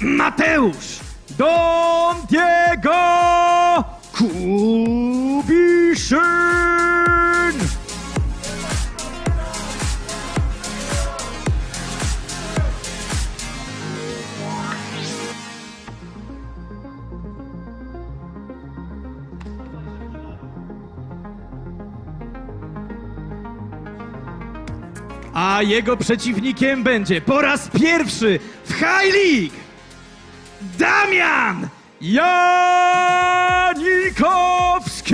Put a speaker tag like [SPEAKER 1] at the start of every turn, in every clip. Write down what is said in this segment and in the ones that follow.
[SPEAKER 1] Mateusz Don Diego Kubiszyn. A jego przeciwnikiem będzie po raz pierwszy w High League Damian Janikowski!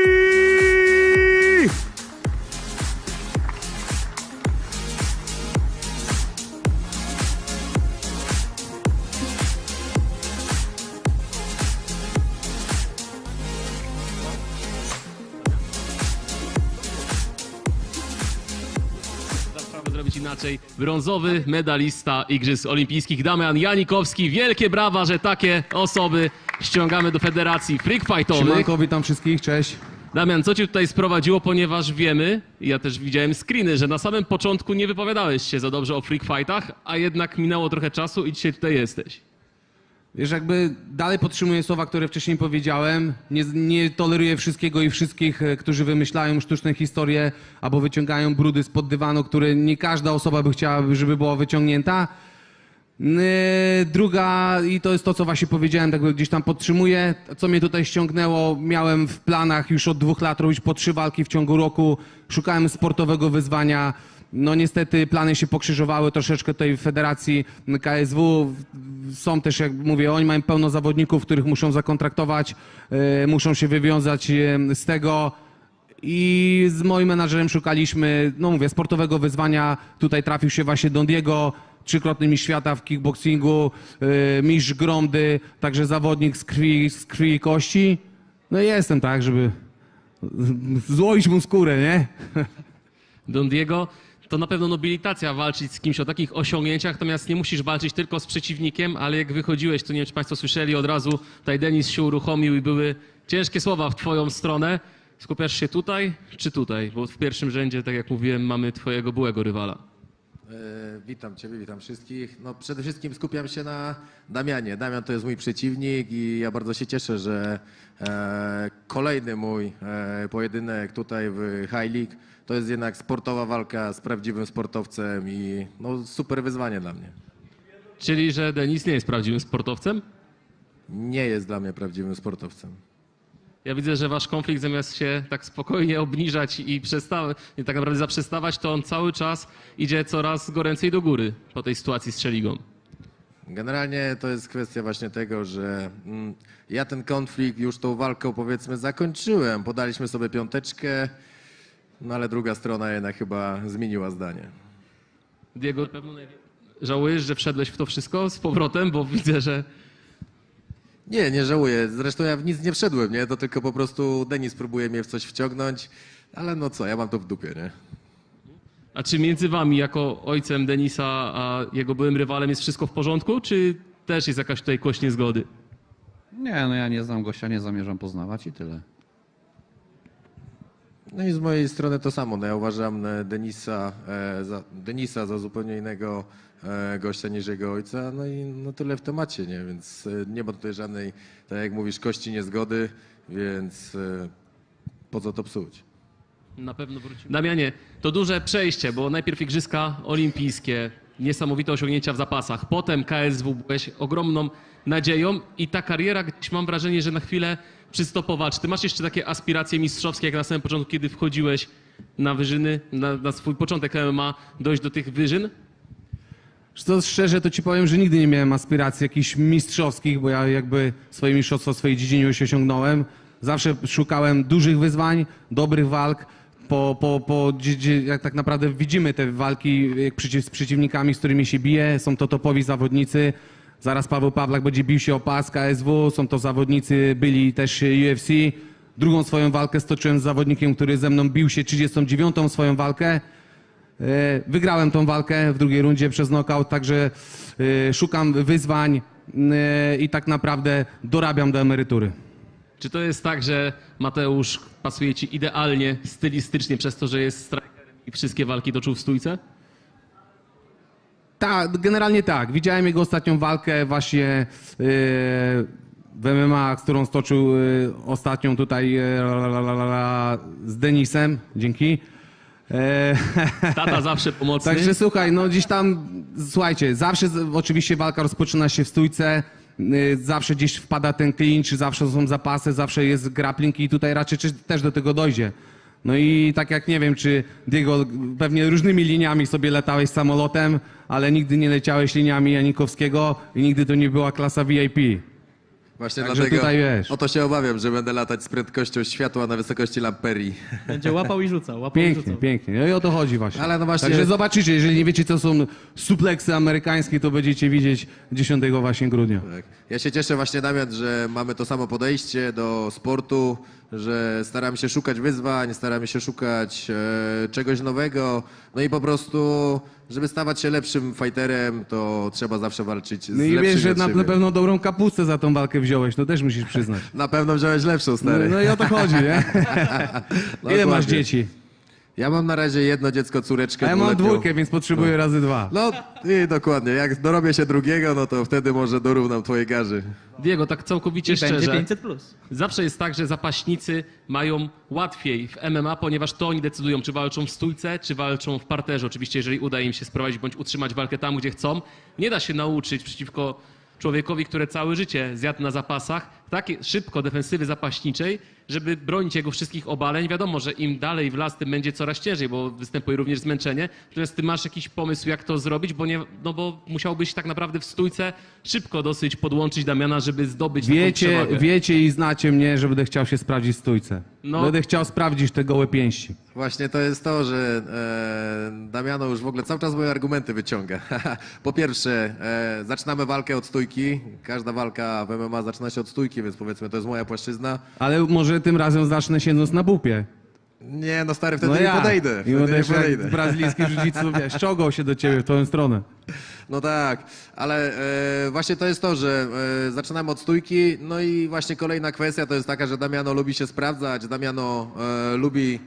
[SPEAKER 2] Zrobić inaczej. Brązowy medalista Igrzysk Olimpijskich Damian Janikowski. Wielkie brawa, że takie osoby ściągamy do Federacji Freak Fightowych.
[SPEAKER 3] Siemanko, witam wszystkich, cześć.
[SPEAKER 2] Damian, co cię tutaj sprowadziło, ponieważ wiemy, ja też widziałem screeny, że na samym początku nie wypowiadałeś się za dobrze o Freak Fightach, a jednak minęło trochę czasu i dzisiaj tutaj jesteś.
[SPEAKER 3] Wiesz, jakby dalej podtrzymuję słowa, które wcześniej powiedziałem. Nie toleruję wszystkiego i wszystkich, którzy wymyślają sztuczne historie albo wyciągają brudy spod dywanu, które nie każda osoba by chciała, żeby była wyciągnięta. Druga, i to jest to, co właśnie powiedziałem, tak gdzieś tam podtrzymuję, co mnie tutaj ściągnęło, miałem w planach już od 2 lat robić po 3 walki w ciągu roku, szukałem sportowego wyzwania. No niestety plany się pokrzyżowały troszeczkę tutaj w Federacji KSW. Są też, jak mówię, oni mają pełno zawodników, których muszą zakontraktować, muszą się wywiązać z tego. I z moim menadżerem szukaliśmy, no mówię, sportowego wyzwania. Tutaj trafił się właśnie Don Diego, 3-krotny mistrz świata w kickboxingu, mistrz Gromdy, także zawodnik z krwi i kości. No i jestem tak, żeby złoić mu skórę, nie?
[SPEAKER 2] Don Diego, to na pewno nobilitacja walczyć z kimś o takich osiągnięciach, natomiast nie musisz walczyć tylko z przeciwnikiem, ale jak wychodziłeś, to nie wiem, czy Państwo słyszeli, od razu tutaj Denis się uruchomił i były ciężkie słowa w Twoją stronę. Skupiasz się tutaj czy tutaj? Bo w pierwszym rzędzie, tak jak mówiłem, mamy Twojego byłego rywala.
[SPEAKER 4] Witam Ciebie, witam wszystkich. No, przede wszystkim skupiam się na Damianie. Damian to jest mój przeciwnik i ja bardzo się cieszę, że kolejny mój pojedynek tutaj w High League to jest jednak sportowa walka z prawdziwym sportowcem i no, super wyzwanie dla mnie.
[SPEAKER 2] Czyli, że Denis nie jest prawdziwym sportowcem?
[SPEAKER 4] Nie jest dla mnie prawdziwym sportowcem.
[SPEAKER 2] Ja widzę, że wasz konflikt zamiast się tak spokojnie obniżać i tak naprawdę zaprzestawać, to on cały czas idzie coraz goręcej do góry po tej sytuacji z Szeligą.
[SPEAKER 4] Generalnie to jest kwestia właśnie tego, że ja ten konflikt już tą walką powiedzmy zakończyłem. Podaliśmy sobie 5, no ale druga strona jednak chyba zmieniła zdanie.
[SPEAKER 2] Diego, na pewno żałujesz, że wszedłeś w to wszystko z powrotem, bo widzę, że...
[SPEAKER 4] Nie żałuję. Zresztą ja w nic nie wszedłem, nie? To tylko po prostu Denis próbuje mnie w coś wciągnąć, ale no co, ja mam to w dupie, nie?
[SPEAKER 2] A czy między wami, jako ojcem Denisa, a jego byłym rywalem jest wszystko w porządku, czy też jest jakaś tutaj kość niezgody?
[SPEAKER 5] Nie, no ja nie znam gościa, nie zamierzam poznawać i tyle.
[SPEAKER 4] No i z mojej strony to samo. No ja uważam Denisa za zupełnie innego gościa niż jego ojca, no i no tyle w temacie, nie? Więc nie ma tutaj żadnej, tak jak mówisz, kości niezgody, więc po co to psuć?
[SPEAKER 2] Na pewno wrócimy. Damianie, to duże przejście, bo najpierw Igrzyska Olimpijskie, niesamowite osiągnięcia w zapasach, potem KSW, byłeś ogromną nadzieją i ta kariera, gdzieś mam wrażenie, że na chwilę przystopowała. Czy ty masz jeszcze takie aspiracje mistrzowskie, jak na samym początku, kiedy wchodziłeś na wyżyny, na swój początek MMA, dojść do tych wyżyn?
[SPEAKER 3] To szczerze to ci powiem, że nigdy nie miałem aspiracji jakichś mistrzowskich, bo ja jakby swoje mistrzostwo w swojej dziedzinie już osiągnąłem. Zawsze szukałem dużych wyzwań, dobrych walk. Jak tak naprawdę widzimy te walki z przeciwnikami, z którymi się bije, są to topowi zawodnicy. Zaraz Paweł Pawlak będzie bił się o pas KSW, są to zawodnicy, byli też UFC. Drugą swoją walkę stoczyłem z zawodnikiem, który ze mną bił się 39. swoją walkę. Wygrałem tą walkę w drugiej rundzie przez knockout, także szukam wyzwań i tak naprawdę dorabiam do emerytury.
[SPEAKER 2] Czy to jest tak, że Mateusz pasuje ci idealnie, stylistycznie przez to, że jest strikerem i wszystkie walki toczył w stójce?
[SPEAKER 3] Tak, generalnie tak. Widziałem jego ostatnią walkę właśnie w MMA, z którą stoczył ostatnią tutaj z Denisem. Dzięki.
[SPEAKER 2] Tata zawsze pomocny.
[SPEAKER 3] Także słuchaj, no gdzieś tam, słuchajcie, zawsze oczywiście walka rozpoczyna się w stójce, zawsze gdzieś wpada ten clinch, zawsze są zapasy, zawsze jest grappling i tutaj raczej też do tego dojdzie. No i tak jak nie wiem, czy Diego, pewnie różnymi liniami sobie latałeś samolotem, ale nigdy nie leciałeś liniami Janikowskiego i nigdy to nie była klasa VIP.
[SPEAKER 4] Właśnie
[SPEAKER 3] Także
[SPEAKER 4] dlatego
[SPEAKER 3] tutaj wiesz.
[SPEAKER 4] o to się obawiam, że będę latać z prędkością światła na wysokości lamperii.
[SPEAKER 1] Będzie łapał i rzucał, łapał i
[SPEAKER 3] Pięknie,
[SPEAKER 1] rzucał.
[SPEAKER 3] pięknie. No i o to chodzi właśnie.
[SPEAKER 4] Ale no właśnie-
[SPEAKER 3] Także zobaczycie, jeżeli nie wiecie, co są supleksy amerykańskie, to będziecie widzieć 10 właśnie grudnia.
[SPEAKER 4] Tak. Ja się cieszę właśnie, Damian, że mamy to samo podejście do sportu, że staramy się szukać wyzwań, staramy się szukać czegoś nowego, no i po prostu, żeby stawać się lepszym fighterem, to trzeba zawsze walczyć z
[SPEAKER 3] No i
[SPEAKER 4] lepszymi
[SPEAKER 3] wiesz, że
[SPEAKER 4] od
[SPEAKER 3] na
[SPEAKER 4] siebie.
[SPEAKER 3] pewno dobrą kapustę za tą walkę wziąłeś, to też musisz przyznać.
[SPEAKER 4] Na pewno wziąłeś lepszą,
[SPEAKER 3] No,
[SPEAKER 4] stary.
[SPEAKER 3] no i o to chodzi, nie? Ile masz
[SPEAKER 4] Dokładnie.
[SPEAKER 3] dzieci?
[SPEAKER 4] Ja mam na razie jedno dziecko, córeczkę.
[SPEAKER 3] A ja mam
[SPEAKER 4] 2-letnią.
[SPEAKER 3] 2, więc potrzebuję razy 2.
[SPEAKER 4] No i dokładnie, jak dorobię się drugiego, no to wtedy może dorównam twojej garzy.
[SPEAKER 2] Diego, tak całkowicie
[SPEAKER 1] I będzie
[SPEAKER 2] szczerze.
[SPEAKER 1] 500+.
[SPEAKER 2] Zawsze jest tak, że zapaśnicy mają łatwiej w MMA, ponieważ to oni decydują, czy walczą w stójce, czy walczą w parterze. Oczywiście, jeżeli uda im się sprowadzić bądź utrzymać walkę tam, gdzie chcą. Nie da się nauczyć przeciwko człowiekowi, który całe życie zjadł na zapasach, tak szybko defensywy zapaśniczej, żeby bronić jego wszystkich obaleń. Wiadomo, że im dalej w las, tym będzie coraz ciężej, bo występuje również zmęczenie. Natomiast ty masz jakiś pomysł, jak to zrobić, bo musiałbyś tak naprawdę w stójce szybko dosyć podłączyć Damiana, żeby zdobyć taką przewagę.
[SPEAKER 3] Wiecie i znacie mnie, że będę chciał się sprawdzić w stójce.
[SPEAKER 2] No.
[SPEAKER 3] Będę chciał sprawdzić te gołe pięści.
[SPEAKER 4] Właśnie to jest to, że Damiano już w ogóle cały czas moje argumenty wyciąga. Po pierwsze, zaczynamy walkę od stójki. Każda walka w MMA zaczyna się od stójki, więc powiedzmy, to jest moja płaszczyzna.
[SPEAKER 3] Ale może tym razem zacznę siedząc na bupie.
[SPEAKER 4] Nie, no stary, wtedy
[SPEAKER 3] No
[SPEAKER 4] nie
[SPEAKER 3] ja.
[SPEAKER 4] podejdę.
[SPEAKER 3] I
[SPEAKER 4] Wtedy
[SPEAKER 3] będę
[SPEAKER 4] nie
[SPEAKER 3] jak
[SPEAKER 4] podejdę.
[SPEAKER 3] brazylijski jiu-jitsu, wiesz, czołgał się do ciebie w tą stronę.
[SPEAKER 4] No tak, ale właśnie to jest to, że zaczynamy od stójki, no i właśnie kolejna kwestia to jest taka, że Damiano lubi się sprawdzać, Damiano lubi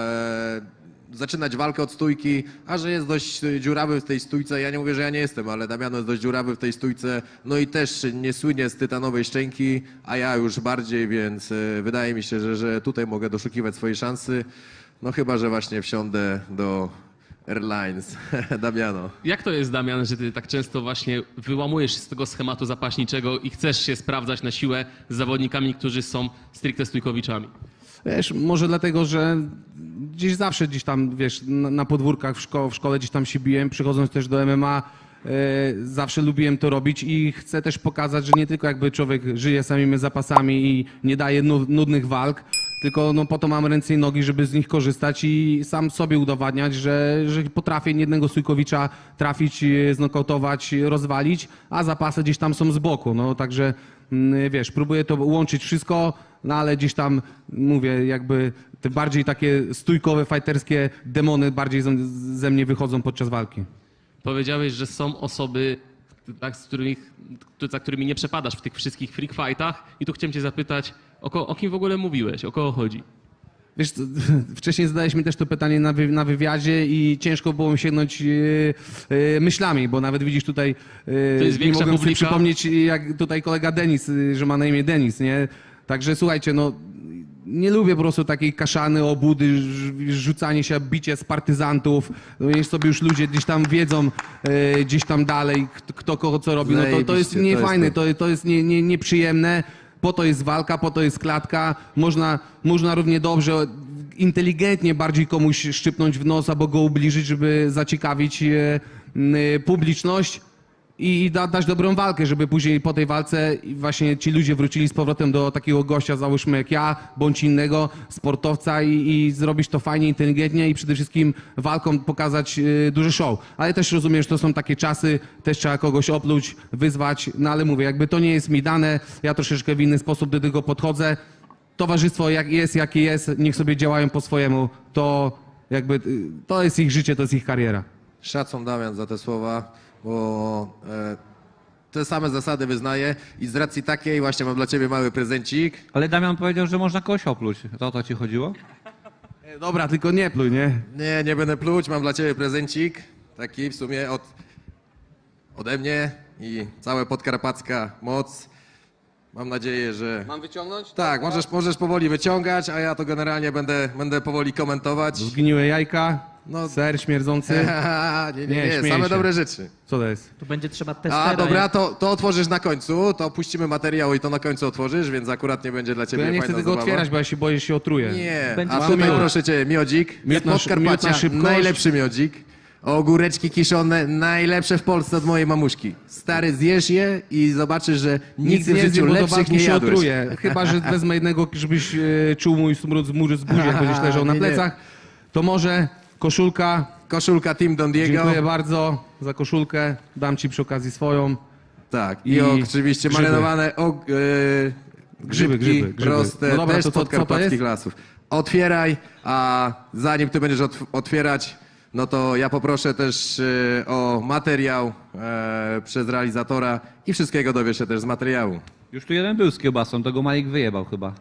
[SPEAKER 4] zaczynać walkę od stójki, a że jest dość dziurawy w tej stójce, ja nie mówię, że ja nie jestem, ale Damiano jest dość dziurawy w tej stójce, no i też nie słynie z tytanowej szczęki, a ja już bardziej, więc wydaje mi się, że tutaj mogę doszukiwać swojej szansy, no chyba, że właśnie wsiądę do Airlines, Damiano.
[SPEAKER 2] Jak to jest, Damian, że ty tak często właśnie wyłamujesz się z tego schematu zapaśniczego i chcesz się sprawdzać na siłę z zawodnikami, którzy są stricte stójkowiczami?
[SPEAKER 3] Wiesz, może dlatego, że gdzieś tam, wiesz, na podwórkach w szkole gdzieś tam się biłem, przychodząc też do MMA, zawsze lubiłem to robić i chcę też pokazać, że nie tylko jakby człowiek żyje samymi zapasami i nie daje nudnych walk, tylko no po to mam ręce i nogi, żeby z nich korzystać i sam sobie udowadniać, że potrafię jednego stójkowicza trafić, znokautować, rozwalić, a zapasy gdzieś tam są z boku. No także wiesz, próbuję to łączyć wszystko, no ale gdzieś tam mówię, jakby te bardziej takie stójkowe, fajterskie demony bardziej ze mnie wychodzą podczas walki.
[SPEAKER 2] Powiedziałeś, że są osoby, tak, za którymi nie przepadasz w tych wszystkich freak fightach i tu chciałem cię zapytać, o kim w ogóle mówiłeś, o kogo chodzi?
[SPEAKER 3] Wiesz, wcześniej zadałeś mi też to pytanie na wywiadzie i ciężko było mi sięgnąć myślami, bo nawet widzisz tutaj,
[SPEAKER 2] jest
[SPEAKER 3] nie
[SPEAKER 2] większa
[SPEAKER 3] mogłem sobie
[SPEAKER 2] publika.
[SPEAKER 3] przypomnieć, jak tutaj kolega Denis, że ma na imię Denis, nie? Także słuchajcie, no nie lubię po prostu takiej kaszany, obudy, rzucanie się, bicie z partyzantów. No niech sobie już ludzie gdzieś tam wiedzą, gdzieś tam dalej, kto kogo co robi. No to jest
[SPEAKER 4] Zajebiście,
[SPEAKER 3] niefajne,
[SPEAKER 4] to
[SPEAKER 3] to jest nieprzyjemne. Po to jest walka, po to jest klatka. Można równie dobrze, inteligentnie bardziej komuś szczypnąć w nos albo go ubliżyć, żeby zaciekawić publiczność i dać dobrą walkę, żeby później po tej walce właśnie ci ludzie wrócili z powrotem do takiego gościa, załóżmy jak ja, bądź innego sportowca i zrobić to fajnie, inteligentnie i przede wszystkim walką pokazać duży show. Ale też rozumiem, że to są takie czasy, też trzeba kogoś opluć, wyzwać, no ale mówię, jakby to nie jest mi dane, ja troszeczkę w inny sposób do tego podchodzę. Towarzystwo jakie jest, niech sobie działają po swojemu, to jakby to jest ich życie, to jest ich kariera.
[SPEAKER 4] Szacun, Damian, za te słowa, bo te same zasady wyznaję i z racji takiej właśnie mam dla ciebie mały prezencik.
[SPEAKER 5] Ale Damian powiedział, że można kogoś opluć. To o to ci chodziło?
[SPEAKER 3] Dobra, tylko nie pluj, nie?
[SPEAKER 4] Nie będę pluć, mam dla ciebie prezencik, taki w sumie od ode mnie i cała podkarpacka moc. Mam nadzieję, że...
[SPEAKER 3] Mam wyciągnąć?
[SPEAKER 4] Tak, możesz powoli wyciągać, a ja to generalnie będę powoli komentować.
[SPEAKER 3] Zgniłe jajka,
[SPEAKER 4] No.
[SPEAKER 3] ser śmierdzący.
[SPEAKER 4] nie,
[SPEAKER 3] Nie, śmieję
[SPEAKER 4] same
[SPEAKER 3] się.
[SPEAKER 4] dobre rzeczy.
[SPEAKER 3] Co to jest?
[SPEAKER 1] Tu będzie trzeba testera.
[SPEAKER 4] A dobra, to otworzysz na końcu, to puścimy materiał i to na końcu otworzysz, więc akurat nie będzie dla
[SPEAKER 3] To
[SPEAKER 4] ciebie
[SPEAKER 3] ja nie
[SPEAKER 4] fajna
[SPEAKER 3] chcę tego
[SPEAKER 4] zabawa.
[SPEAKER 3] otwierać, bo ja się boję, że się otruję.
[SPEAKER 4] Nie,
[SPEAKER 1] Będzie
[SPEAKER 4] a
[SPEAKER 1] to
[SPEAKER 4] tutaj
[SPEAKER 1] miód.
[SPEAKER 4] proszę cię, miodzik,
[SPEAKER 3] Miód na
[SPEAKER 4] Podkarpacia,
[SPEAKER 3] szybkość.
[SPEAKER 4] najlepszy miodzik. Ogóreczki kiszone, najlepsze w Polsce od mojej mamuszki. Stary, zjesz je i zobaczysz, że nigdy w
[SPEAKER 3] nie
[SPEAKER 4] życiu
[SPEAKER 3] zjem, bo do
[SPEAKER 4] lepszych
[SPEAKER 3] walki
[SPEAKER 4] nie
[SPEAKER 3] się
[SPEAKER 4] jadłeś.
[SPEAKER 3] otruję. Chyba, że wezmę jednego, żebyś czuł mój smród z buzi, jak będziesz leżał na
[SPEAKER 4] Nie, nie.
[SPEAKER 3] plecach. To może koszulka.
[SPEAKER 4] Koszulka Team Don Diego.
[SPEAKER 3] Dziękuję bardzo za koszulkę. Dam ci przy okazji swoją.
[SPEAKER 4] Tak,
[SPEAKER 3] I
[SPEAKER 4] i oczywiście
[SPEAKER 3] grzyby.
[SPEAKER 4] marynowane grzybki
[SPEAKER 3] grzyby.
[SPEAKER 4] proste,
[SPEAKER 3] No dobra,
[SPEAKER 4] też
[SPEAKER 3] to
[SPEAKER 4] z
[SPEAKER 3] co to
[SPEAKER 4] podkarpackich
[SPEAKER 3] jest?
[SPEAKER 4] lasów. Otwieraj, a zanim ty będziesz otwierać, no to ja poproszę też o materiał przez realizatora i wszystkiego dowiesz się też z materiału.
[SPEAKER 5] Już tu jeden był z kiełbasą, to go Malik wyjebał chyba.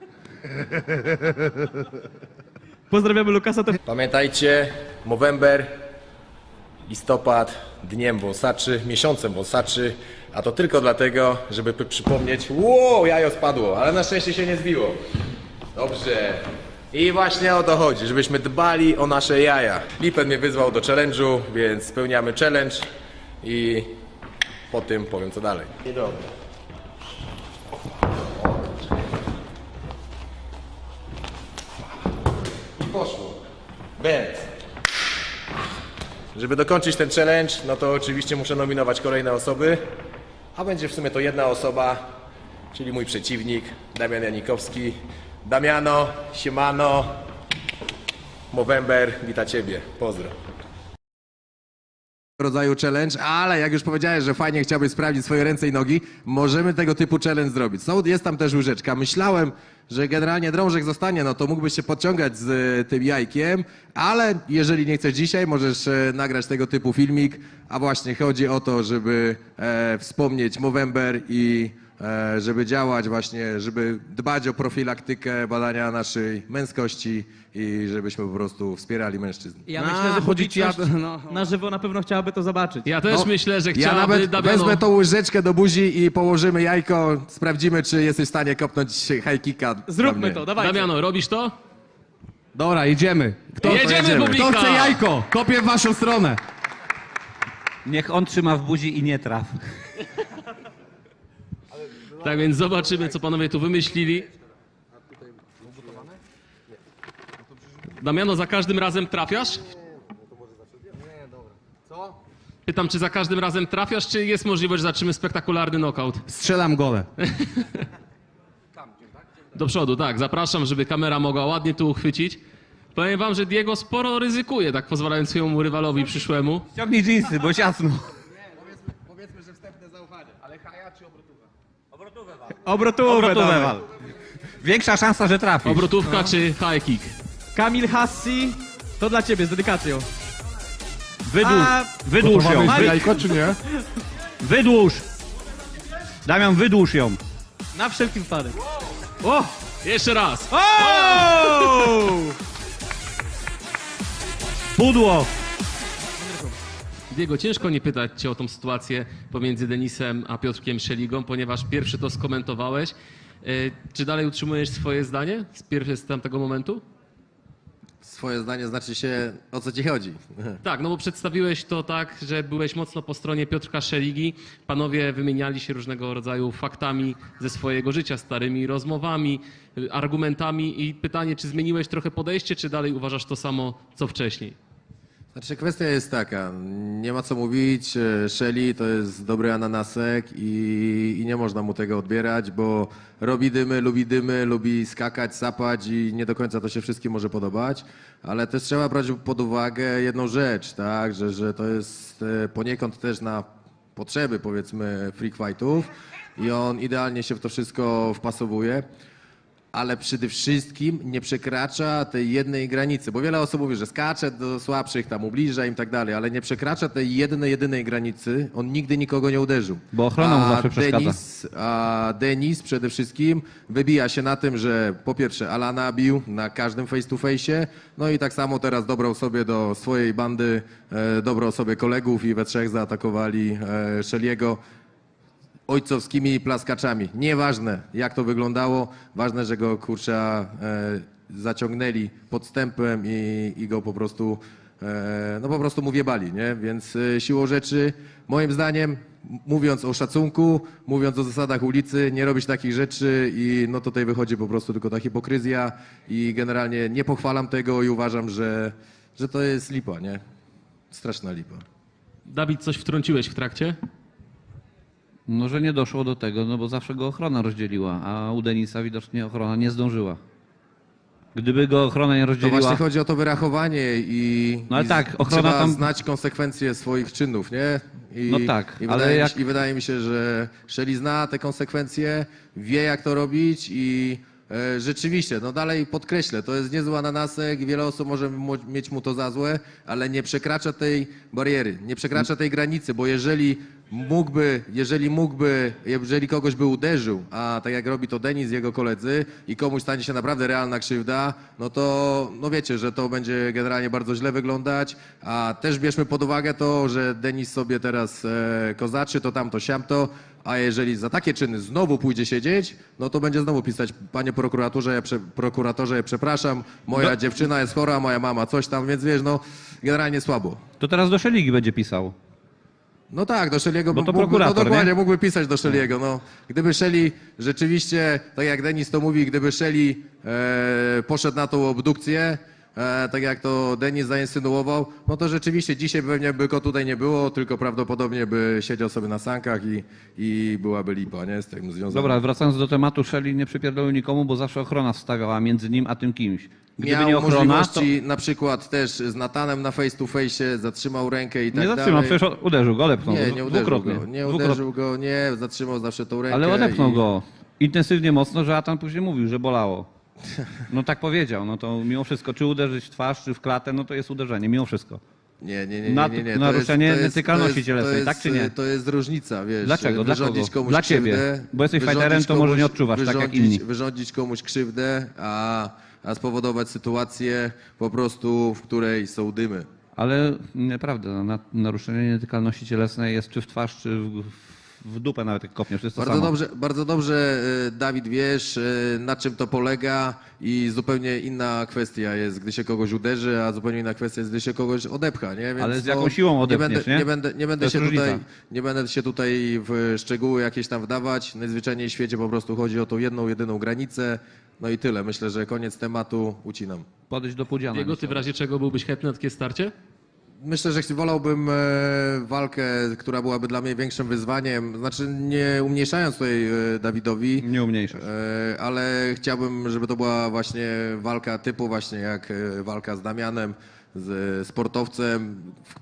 [SPEAKER 1] Pozdrawiamy Lukasa.
[SPEAKER 6] Pamiętajcie, Movember, listopad, dniem wąsaczy, miesiącem wąsaczy, a to tylko dlatego, żeby przypomnieć, wow, jajo spadło, ale na szczęście się nie zbiło. Dobrze. I właśnie o to chodzi, żebyśmy dbali o nasze jaja. Lipen mnie wyzwał do challenge'u, więc spełniamy challenge i po tym powiem co dalej. I dobra. I poszło. Będ. Żeby dokończyć ten challenge, no to oczywiście muszę nominować kolejne osoby, a będzie w sumie to jedna osoba, czyli mój przeciwnik, Damian Janikowski. Damiano, siemano, Movember, wita Ciebie, pozdro.
[SPEAKER 4] Rodzaju challenge, ale jak już powiedziałeś, że fajnie chciałbyś sprawdzić swoje ręce i nogi, możemy tego typu challenge zrobić. Jest tam też łyżeczka. Myślałem, że generalnie drążek zostanie, no to mógłbyś się podciągać z tym jajkiem, ale jeżeli nie chcesz dzisiaj, możesz nagrać tego typu filmik, a właśnie chodzi o to, żeby wspomnieć Movember i żeby działać właśnie, żeby dbać o profilaktykę badania naszej męskości i żebyśmy po prostu wspierali mężczyzn.
[SPEAKER 1] Ja myślę, że
[SPEAKER 3] chodzi ci
[SPEAKER 1] publiczność
[SPEAKER 3] no.
[SPEAKER 1] na żywo na pewno chciałaby to zobaczyć.
[SPEAKER 2] Ja też
[SPEAKER 4] No,
[SPEAKER 2] myślę, że
[SPEAKER 4] Ja
[SPEAKER 2] chciałaby
[SPEAKER 4] nawet
[SPEAKER 2] Damiano...
[SPEAKER 4] wezmę tą łyżeczkę do buzi i położymy jajko, sprawdzimy, czy jesteś w stanie kopnąć high kicka. dla
[SPEAKER 1] Zróbmy
[SPEAKER 4] mnie.
[SPEAKER 1] to, dawajcie.
[SPEAKER 2] Damiano, robisz to?
[SPEAKER 3] Dobra, jedziemy.
[SPEAKER 2] Jedziemy, publika!
[SPEAKER 3] Kto chce jajko? Kopię w waszą stronę.
[SPEAKER 5] Niech on trzyma w buzi i nie traf.
[SPEAKER 2] Tak więc zobaczymy, co panowie tu wymyślili. Damiano, za każdym razem trafiasz? Pytam, czy za każdym razem trafiasz, czy jest możliwość, że zatrzymy spektakularny knockout?
[SPEAKER 3] Strzelam gole.
[SPEAKER 2] Do przodu, tak. Zapraszam, żeby kamera mogła ładnie tu uchwycić. Powiem wam, że Diego sporo ryzykuje, tak pozwalając swojemu rywalowi przyszłemu.
[SPEAKER 5] Ciągnij dżinsy, bo ciasno.
[SPEAKER 4] Powiedzmy, że wstępne zaufanie, ale haja czy obrotowa?
[SPEAKER 1] Obrotówę dawaj.
[SPEAKER 5] Większa szansa, że trafisz.
[SPEAKER 2] Obrotówka czy high kick?
[SPEAKER 1] Kamil Hassi, to dla ciebie z dedykacją.
[SPEAKER 5] Wydłuż ją.
[SPEAKER 4] Jajko czy nie?
[SPEAKER 5] Wydłuż. Damian, wydłuż ją.
[SPEAKER 1] Na wszelki wypadek. O!
[SPEAKER 2] Jeszcze raz.
[SPEAKER 1] O!
[SPEAKER 5] Pudło.
[SPEAKER 2] Diego, ciężko nie pytać cię o tą sytuację pomiędzy Denisem a Piotrkiem Szeligą, ponieważ pierwszy to skomentowałeś. Czy dalej utrzymujesz swoje zdanie z tamtego momentu?
[SPEAKER 4] Swoje zdanie znaczy się, o co ci chodzi.
[SPEAKER 2] Tak, no bo przedstawiłeś to tak, że byłeś mocno po stronie Piotrka Szeligi. Panowie wymieniali się różnego rodzaju faktami ze swojego życia, starymi rozmowami, argumentami i pytanie, czy zmieniłeś trochę podejście, czy dalej uważasz to samo, co wcześniej?
[SPEAKER 4] Znaczy kwestia jest taka, nie ma co mówić, Shelly to jest dobry ananasek i nie można mu tego odbierać, bo robi dymy, lubi skakać, sapać i nie do końca to się wszystkim może podobać, ale też trzeba brać pod uwagę jedną rzecz, tak, że to jest poniekąd też na potrzeby powiedzmy freak fightów i on idealnie się w to wszystko wpasowuje. ale przede wszystkim nie przekracza tej jednej granicy, bo wiele osób mówi, że skacze do słabszych, tam ubliża im i tak dalej, ale nie przekracza tej jedynej granicy, on nigdy nikogo nie uderzył.
[SPEAKER 5] Bo ochrona mu zawsze przeszkadza.
[SPEAKER 4] Denis przede wszystkim wybija się na tym, że po pierwsze Alana bił na każdym face to face, no i tak samo teraz dobrał sobie do swojej bandy, dobrał sobie kolegów i we trzech zaatakowali Shelly'ego ojcowskimi plaskaczami. Nieważne jak to wyglądało, ważne, że go kurczę zaciągnęli podstępem i go po prostu no po prostu mu wjebali, nie? Więc siłą rzeczy, moim zdaniem, mówiąc o szacunku, mówiąc o zasadach ulicy, nie robić takich rzeczy i no tutaj wychodzi po prostu tylko ta hipokryzja i generalnie nie pochwalam tego i uważam, że to jest lipa, nie? Straszna lipa.
[SPEAKER 2] Dawid, coś wtrąciłeś w trakcie?
[SPEAKER 5] No, że nie doszło do tego, no bo zawsze go ochrona rozdzieliła, a u Denisa widocznie ochrona nie zdążyła. Gdyby go ochrona nie
[SPEAKER 4] To
[SPEAKER 5] rozdzieliła...
[SPEAKER 4] właśnie chodzi o to wyrachowanie i,
[SPEAKER 5] No ale
[SPEAKER 4] i
[SPEAKER 5] tak, ochrona
[SPEAKER 4] trzeba
[SPEAKER 5] tam-
[SPEAKER 4] znać konsekwencje swoich czynów, nie?
[SPEAKER 5] No tak,
[SPEAKER 4] i
[SPEAKER 5] ale
[SPEAKER 4] wydaje,
[SPEAKER 5] jak-
[SPEAKER 4] i wydaje mi się, że Shelly zna te konsekwencje, wie jak to robić i rzeczywiście, no dalej podkreślę, to jest niezły ananasek i wiele osób może mieć mu to za złe, ale nie przekracza tej bariery, nie przekracza tej granicy, bo jeżeli kogoś by uderzył, a tak jak robi to Denis i jego koledzy i komuś stanie się naprawdę realna krzywda, no to no wiecie, że to będzie generalnie bardzo źle wyglądać, a też bierzmy pod uwagę to, że Denis sobie teraz kozaczy, to tamto, siamto, a jeżeli za takie czyny znowu pójdzie siedzieć, no to będzie znowu pisać, panie prokuratorze, przepraszam, moja dziewczyna jest chora, moja mama coś tam, więc wiesz, no generalnie słabo.
[SPEAKER 5] To teraz do Szeligi będzie pisał.
[SPEAKER 4] No tak, do Shelly'ego
[SPEAKER 5] Bo to
[SPEAKER 4] mógłby,
[SPEAKER 5] prokurator,
[SPEAKER 4] no dokładnie,
[SPEAKER 5] nie?
[SPEAKER 4] mógłby pisać do Shelly'ego. No. Gdyby Shelly rzeczywiście, tak jak Denis to mówi, gdyby Shelly poszedł na tą obdukcję, tak jak to Denis zainsynuował, no to rzeczywiście dzisiaj pewnie by go tutaj nie było, tylko prawdopodobnie by siedział sobie na sankach i byłaby lipa, nie? Z tym związana.
[SPEAKER 5] Dobra, wracając do tematu, Shelly nie przypierdolił nikomu, bo zawsze ochrona wstawiała między nim a tym kimś. Gdyby
[SPEAKER 4] Miał
[SPEAKER 5] nie ochrona, to
[SPEAKER 4] możliwości na przykład też z Natanem na face to face, zatrzymał rękę i tak
[SPEAKER 5] nie
[SPEAKER 4] dalej.
[SPEAKER 5] zatrzymał, przecież uderzył go, odepchnął
[SPEAKER 4] Nie,
[SPEAKER 5] go.
[SPEAKER 4] nie uderzył
[SPEAKER 5] Dwukrotnie.
[SPEAKER 4] go, nie
[SPEAKER 5] Dwukrotnie.
[SPEAKER 4] uderzył go, nie, zatrzymał zawsze tą rękę.
[SPEAKER 5] Ale odepchnął
[SPEAKER 4] i-
[SPEAKER 5] go intensywnie mocno, że Atan później mówił, że bolało. No tak powiedział, no to mimo wszystko, czy uderzyć w twarz, czy w klatę, no to jest uderzenie, mimo wszystko.
[SPEAKER 4] Nie.
[SPEAKER 5] Naruszenie nietykalności cielesnej, tak czy nie?
[SPEAKER 4] To jest różnica, wiesz.
[SPEAKER 5] Dlaczego? Dla
[SPEAKER 4] Wyrządzić
[SPEAKER 5] kogo?
[SPEAKER 4] komuś
[SPEAKER 5] Dla ciebie.
[SPEAKER 4] krzywdę,
[SPEAKER 5] Bo jesteś
[SPEAKER 4] wyrządzić
[SPEAKER 5] fighterem, to może
[SPEAKER 4] komuś-
[SPEAKER 5] nie odczuwasz tak jak inni.
[SPEAKER 4] Wyrządzić komuś krzywdę, a spowodować sytuację po prostu, w której są dymy.
[SPEAKER 5] Ale nieprawda, naruszenie nietykalności cielesnej jest czy w twarz, czy w dupę nawet jak kopniesz, to jest to samo.
[SPEAKER 4] Bardzo dobrze, Dawid, wiesz, na czym to polega i zupełnie inna kwestia jest, gdy się kogoś uderzy, a zupełnie inna kwestia jest, gdy się kogoś odepcha, nie? Więc
[SPEAKER 5] Ale z jaką siłą odepniesz, nie?
[SPEAKER 4] Nie
[SPEAKER 5] To
[SPEAKER 4] będę
[SPEAKER 5] jest
[SPEAKER 4] się
[SPEAKER 5] różnica.
[SPEAKER 4] nie będę się tutaj w szczegóły jakieś tam wdawać. Najzwyczajniej w świecie po prostu chodzi o tą jedyną granicę. No i tyle. Myślę, że koniec tematu, ucinam.
[SPEAKER 5] Podejść do pudziana.
[SPEAKER 2] Diego, ty w razie czego byłbyś chętny na takie starcie?
[SPEAKER 4] Myślę, że wolałbym walkę, która byłaby dla mnie większym wyzwaniem. Znaczy nie umniejszając tutaj Dawidowi,
[SPEAKER 5] Nie umniejszasz.
[SPEAKER 4] ale chciałbym, żeby to była właśnie walka typu właśnie jak walka z Damianem, z sportowcem,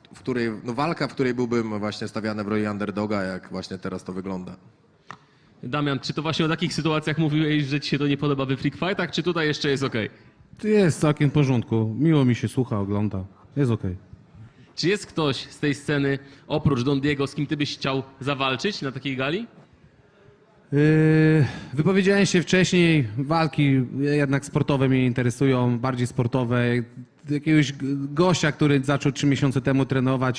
[SPEAKER 4] walka, w której byłbym właśnie stawiany w roli underdoga, jak właśnie teraz to wygląda.
[SPEAKER 2] Damian, czy to właśnie o takich sytuacjach mówiłeś, że ci się to nie podoba we freak fightach, czy tutaj jeszcze jest okej?
[SPEAKER 3] Jest całkiem w porządku. Miło mi się słucha, ogląda. Jest okej.
[SPEAKER 2] Czy jest ktoś z tej sceny, oprócz Don Diego, z kim ty byś chciał zawalczyć na takiej gali?
[SPEAKER 3] Wypowiedziałem się wcześniej, walki jednak sportowe mnie interesują, bardziej sportowe. Jakiegoś gościa, który zaczął 3 miesiące temu trenować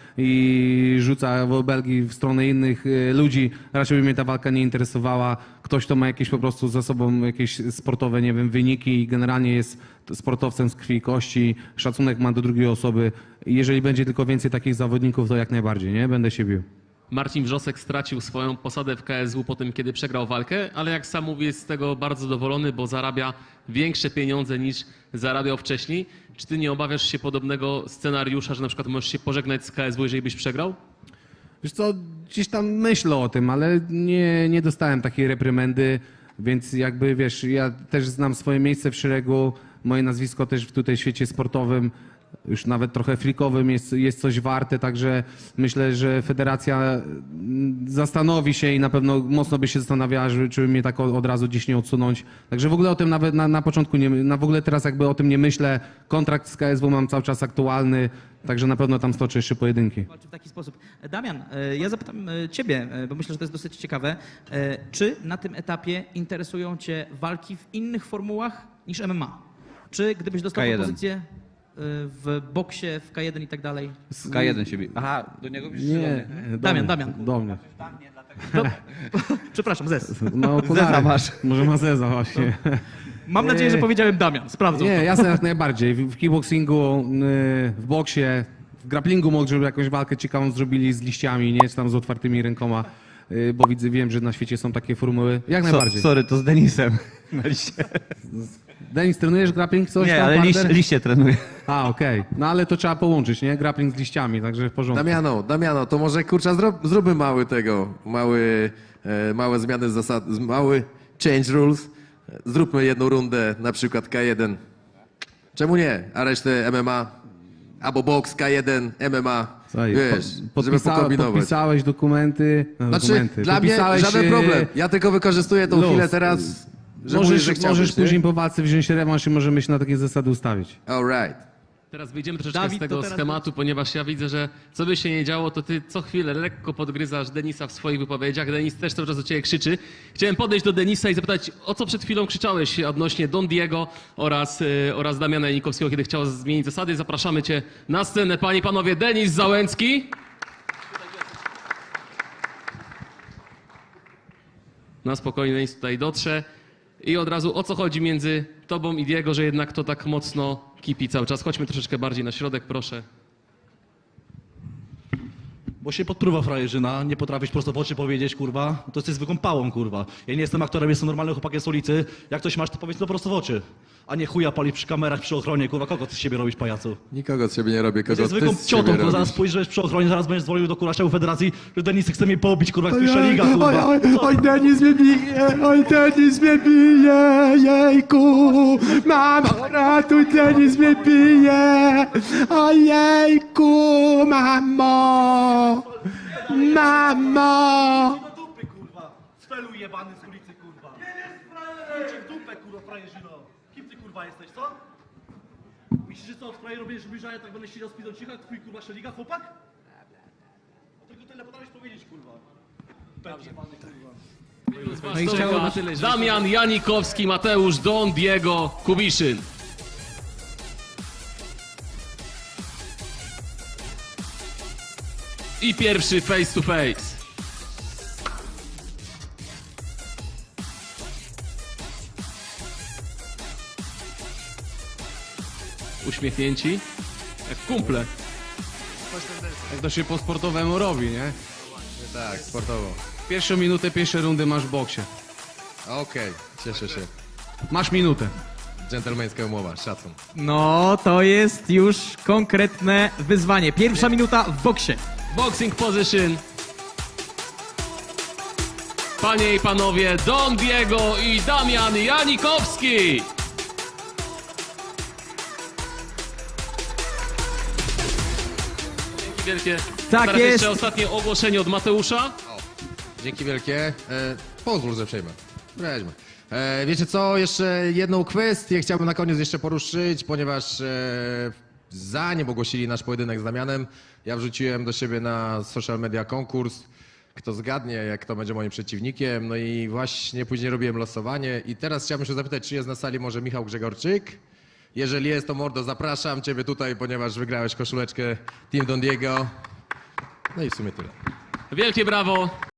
[SPEAKER 3] i rzuca obelgi w stronę innych ludzi, raczej by mnie ta walka nie interesowała. Ktoś, kto ma jakieś po prostu za sobą jakieś sportowe, nie wiem, wyniki i generalnie jest sportowcem z krwi i kości, szacunek ma do drugiej osoby. Jeżeli będzie tylko więcej takich zawodników, to jak najbardziej, nie? Będę się bił.
[SPEAKER 2] Marcin Wrzosek stracił swoją posadę w KSW po tym, kiedy przegrał walkę, ale jak sam mówi, jest z tego bardzo zadowolony, bo zarabia większe pieniądze niż zarabiał wcześniej. Czy ty nie obawiasz się podobnego scenariusza, że na przykład możesz się pożegnać z KSW, jeżeli byś przegrał?
[SPEAKER 3] Wiesz co, gdzieś tam myślę o tym, ale nie dostałem takiej reprymendy, więc jakby wiesz, ja też znam swoje miejsce w szeregu, moje nazwisko też w tutaj świecie sportowym już nawet trochę frikowym jest coś warte, także myślę, że federacja zastanowi się i na pewno mocno by się zastanawiała, czy mnie tak od razu dziś nie odsunąć. Także w ogóle o tym nawet na początku w ogóle teraz jakby o tym nie myślę. Kontrakt z KSW mam cały czas aktualny, także na pewno tam stoczę jeszcze pojedynki.
[SPEAKER 7] Walczy w taki sposób. Damian, ja zapytam ciebie, bo myślę, że to jest dosyć ciekawe. Czy na tym etapie interesują cię walki w innych formułach niż MMA? Czy gdybyś dostał
[SPEAKER 5] K1.
[SPEAKER 7] propozycję w boksie, w K1 i tak dalej?
[SPEAKER 5] K1 się bije. Aha, do niego piszesz, czy do mnie?
[SPEAKER 7] Damian.
[SPEAKER 3] Do mnie.
[SPEAKER 7] To, przepraszam, Zez.
[SPEAKER 3] No, okulary. Może ma Zeza właśnie.
[SPEAKER 7] Mam nadzieję, że powiedziałem Damian. Sprawdzą.
[SPEAKER 3] Nie, jasne, jak najbardziej. W kickboxingu, w boksie, w grapplingu może żeby jakąś walkę ciekawą zrobili z liściami, nie? Czy tam z otwartymi rękoma, bo wiem, że na świecie są takie formuły. Jak najbardziej.
[SPEAKER 5] Sorry, to z Denisem.
[SPEAKER 3] Denis, trenujesz grappling coś
[SPEAKER 5] Nie,
[SPEAKER 3] tam,
[SPEAKER 5] ale
[SPEAKER 3] partner?
[SPEAKER 5] liście trenuję.
[SPEAKER 3] A, okej. No ale to trzeba połączyć, nie? Grappling z liściami, także w porządku.
[SPEAKER 4] Damiano, to może kurczę zróbmy małe zmiany zasad, mały change rules. Zróbmy jedną rundę, na przykład K1. Czemu nie? A resztę MMA? Albo boks K1, MMA.
[SPEAKER 3] Słuchaj,
[SPEAKER 4] Wiesz, żeby pokombinować.
[SPEAKER 3] podpisałeś dokumenty.
[SPEAKER 4] Znaczy, dla mnie żaden problem. Ja tylko wykorzystuję tą
[SPEAKER 3] luz.
[SPEAKER 4] chwilę teraz, że mówisz, że chciałbyś,
[SPEAKER 3] możesz
[SPEAKER 4] nie?
[SPEAKER 3] później po walce wziąć rewanż i możemy się na takie zasady ustawić.
[SPEAKER 4] All right.
[SPEAKER 2] Teraz wyjdziemy troszeczkę
[SPEAKER 7] Dawid,
[SPEAKER 2] z tego
[SPEAKER 7] to teraz
[SPEAKER 2] schematu, ponieważ ja widzę, że co by się nie działo, to ty co chwilę lekko podgryzasz Denisa w swoich wypowiedziach. Denis też cały czas do ciebie krzyczy. Chciałem podejść do Denisa i zapytać, o co przed chwilą krzyczałeś odnośnie Don Diego oraz Damiana Janikowskiego, kiedy chciał zmienić zasady. Zapraszamy cię na scenę, panie i panowie. Denis Załęcki. Na spokojnie Denis tutaj dotrze. I od razu o co chodzi między tobą i Diego, że jednak to tak mocno kipi cały czas. Chodźmy troszeczkę bardziej na środek, proszę.
[SPEAKER 8] Bo się podpruwa frajerzyna, nie potrafisz prosto w oczy powiedzieć, kurwa, to jesteś zwykłą pałą, kurwa. Ja nie jestem aktorem, jestem normalnym chłopakiem z ulicy. Jak coś masz, to powiedz to prosto w oczy. A nie chuja palić przy kamerach, przy ochronie, kurwa, kogo ty z siebie robisz, pajacu?
[SPEAKER 4] Nikogo z siebie nie robię, kogo
[SPEAKER 8] Jesteś
[SPEAKER 4] ty
[SPEAKER 8] zwykłą
[SPEAKER 4] z
[SPEAKER 8] ciotą,
[SPEAKER 4] siebie
[SPEAKER 8] kurwa, zaraz
[SPEAKER 4] robisz.
[SPEAKER 8] spojrzysz przy ochronie, zaraz będziesz dzwonił do kuraszcza Federacji, że Denis chce mnie pobić, kurwa, jak słyszę liga, kurwa.
[SPEAKER 3] Oj, Denis mnie bije, oj, Denis mnie bije, jejku, mamo, ratuj, Denis mnie bije, ojejku, mamo, mamo.
[SPEAKER 8] Do dupy, kurwa, spelu jebany z ulicy, kurwa. Idź w dupę, kurwa, frajerzyno. Kim ty, kurwa, jesteś, co? Myślisz, że co, w sprawie robisz bliżej, tak będę siedział z pidą cicha, twój, kurwa, szeliga, chłopak? No tylko tyle potrafisz powiedzieć, kurwa. Pęd jebany, kurwa.
[SPEAKER 2] No i chciałem na tyle, Damian Janikowski, Mateusz Don Diego Kubiszyn. I pierwszy face to face. Uśmiechnięci, jak kumple.
[SPEAKER 3] Jak to się po sportowemu robi, nie?
[SPEAKER 4] Tak, sportowo.
[SPEAKER 3] Pierwszą minutę, pierwsze rundy masz w boksie.
[SPEAKER 4] Okej, cieszę się.
[SPEAKER 3] Masz minutę.
[SPEAKER 4] Dżentelmeńska umowa, szacun.
[SPEAKER 1] No, to jest już konkretne wyzwanie. Pierwsza minuta w boksie.
[SPEAKER 2] Boxing position. Panie i panowie, Don Diego i Damian Janikowski. Dzięki wielkie.
[SPEAKER 1] Tak
[SPEAKER 2] Teraz
[SPEAKER 1] jest.
[SPEAKER 2] jeszcze ostatnie ogłoszenie od Mateusza.
[SPEAKER 4] Dzięki wielkie. Pozwól, że przejmę. Weźmy. Wiecie co, jeszcze jedną kwestię chciałbym na koniec jeszcze poruszyć, ponieważ zanim ogłosili nasz pojedynek z Damianem, ja wrzuciłem do siebie na social media konkurs, kto zgadnie, jak kto będzie moim przeciwnikiem, no i właśnie później robiłem losowanie i teraz chciałbym się zapytać, czy jest na sali może Michał Grzegorczyk? Jeżeli jest, to mordo, zapraszam ciebie tutaj, ponieważ wygrałeś koszuleczkę Team Don Diego. No i w sumie tyle.
[SPEAKER 2] Wielkie brawo.